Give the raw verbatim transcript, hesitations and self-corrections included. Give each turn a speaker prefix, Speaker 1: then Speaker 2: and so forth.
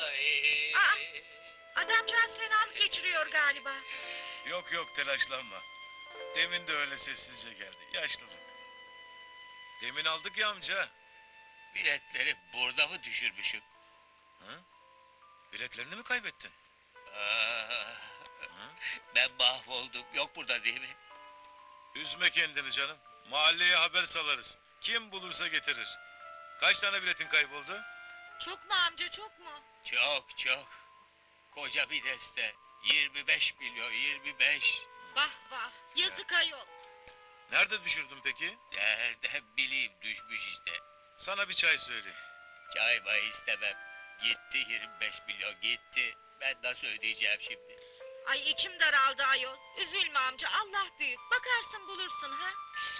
Speaker 1: Ay.
Speaker 2: Aa! Adamcağız fenalık geçiriyor galiba.
Speaker 3: Yok yok telaşlanma. Demin de öyle sessizce geldi. Yaşlılık. Demin aldık ya amca.
Speaker 1: Biletleri burada mı düşürmüşüm?
Speaker 3: Hı? Biletlerini mi kaybettin?
Speaker 1: Aa,
Speaker 3: Hı?
Speaker 1: ben mahvoldum. Yok burada değil mi?
Speaker 3: Üzme kendini canım. Mahalleye haber salarız. Kim bulursa getirir. Kaç tane biletin kayboldu?
Speaker 2: Çok mu amca, çok mu?
Speaker 1: Çok çok. Koca bir deste. yirmi beş milyon, yirmi beş.
Speaker 2: Vah vah, yazık ayol.
Speaker 3: Nerede düşürdün peki?
Speaker 1: Nereden bileyim, düşmüş işte.
Speaker 3: Sana bir çay söyleyeyim.
Speaker 1: Çay may istemem. Gitti yirmi beş milyon, gitti. Ben nasıl ödeyeceğim şimdi?
Speaker 2: Ay içim daraldı ayol. Üzülme amca, Allah büyük. Bakarsın bulursun ha.